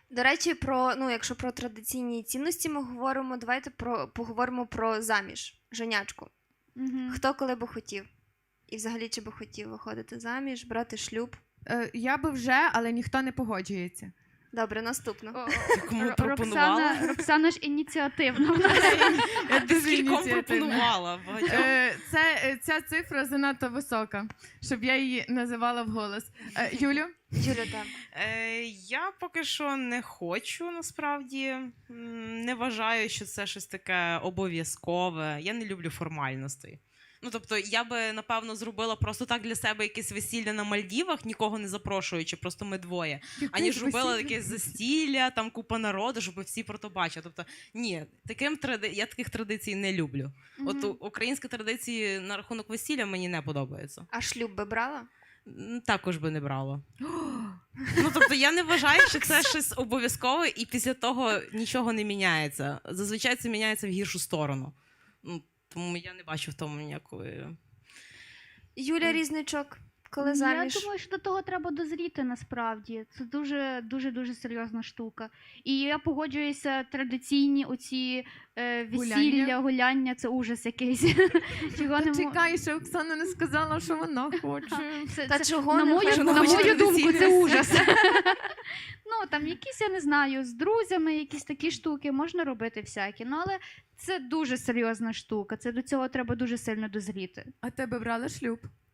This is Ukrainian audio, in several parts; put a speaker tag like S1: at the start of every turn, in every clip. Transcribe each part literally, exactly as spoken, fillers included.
S1: До речі, про, ну, якщо про традиційні цінності ми говоримо, давайте про, поговоримо про заміж, женячку.
S2: Мгм.
S1: Хто коли би хотів? І взагалі, чи би хотів виходити заміж, брати шлюб?
S3: Е, Я би вже, але ніхто не погоджується.
S1: Добре, наступно.
S2: О,
S4: Кому
S2: Р-
S4: пропонувала?
S2: Роксана, Роксана ж ініціативна.
S3: Я дуже
S4: Скільком
S3: ініціативна.
S4: пропонувала? Багатьом?
S3: Е, Це, е, ця цифра занадто висока, щоб я її називала вголос. Е, Юлю?
S1: Юля, там.
S4: Е, я поки що не хочу, насправді. М, Не вважаю, що це щось таке обов'язкове. Я не люблю формальностей. Ну, тобто, я би, напевно, зробила просто так для себе якесь весілля на Мальдівах, нікого не запрошуючи, просто ми двоє. Аніж робила якесь застілля, там купа народу, щоб всі про то бачили. Тобто, ні, таким тради... я таких традицій не люблю. От у- українські традиції на рахунок весілля мені не подобаються.
S1: А шлюб би брала?
S4: М, Також би не брала. Ну, тобто, я не вважаю, що це щось обов'язкове, і після того нічого не міняється. Зазвичай це міняється в гіршу сторону. Ну, тому я не бачу в тому ніякої.
S1: Юля Різничок, коли
S2: Я
S1: заміж?
S2: думаю, що до того треба дозріти насправді. Це дуже дуже дуже серйозна штука. І я погоджуюся, традиційні оці е, весілля,
S3: Гуляння.
S2: гуляння, це ужас якийсь. Чого не
S3: Та
S2: мо-
S3: чекай, що Оксана не сказала, що вона хоче.
S2: Це,
S1: Та
S2: це-
S1: чого
S2: на
S1: не
S2: мою,
S1: хоче?
S2: на
S4: Вона хоче
S2: мою думку, це
S4: традиційне
S2: ужас. Ну, там якісь, я не знаю, з друзями, якісь такі штуки, можна робити всякі. Ну, але це дуже серйозна штука. Це до цього треба дуже сильно дозріти.
S3: А тебе брали шлюб?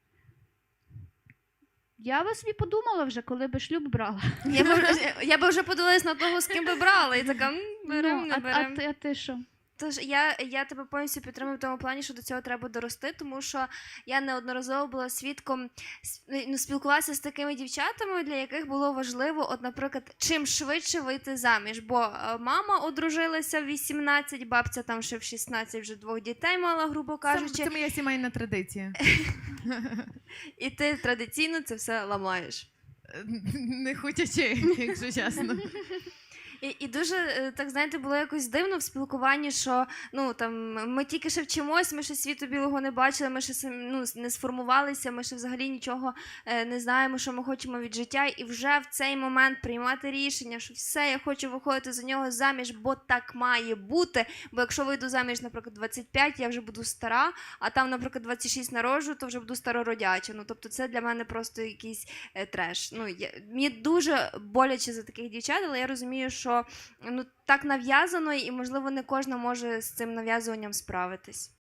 S2: Я би собі подумала вже, коли би шлюб брала.
S1: Я би, вже- я би вже подивилась на того, з ким би брала, і така, м, берем,
S2: Ну,
S1: не
S2: а, а,
S1: берем.
S2: ти- а ти що?
S1: Тож я, я тебе повністю підтримую в тому плані, що до цього треба дорости, тому що я неодноразово була свідком, с- ну, спілкувалася з такими дівчатами, для яких було важливо, от, наприклад, чим швидше вийти заміж. Бо е, мама одружилася в вісімнадцять, бабця там ще в шістнадцять вже двох дітей мала, грубо
S3: Це,
S1: кажучи,
S3: це моя сімейна традиція.
S1: і ти традиційно це все ламаєш.
S3: Не хотячи, якщо чесно.
S1: І, і дуже, е, так знаєте, було якось дивно в спілкуванні, що ну там ми тільки ще вчимось, ми ще світу білого не бачили, ми ще сам- ну, не сформувалися, ми ще взагалі нічого е, не знаємо, що ми хочемо від життя. І вже в цей момент приймати рішення, що все, я хочу виходити за нього заміж, бо так має бути. Бо якщо вийду заміж, наприклад, двадцять п'ять, я вже буду стара, а там, наприклад, двадцять шість народжу, то вже буду старородяча. Ну тобто це для мене просто якийсь е, треш. Ну я, мені дуже боляче за таких дівчат, але я розумію, що ну так нав'язано, і можливо не кожна може з цим нав'язуванням справитись.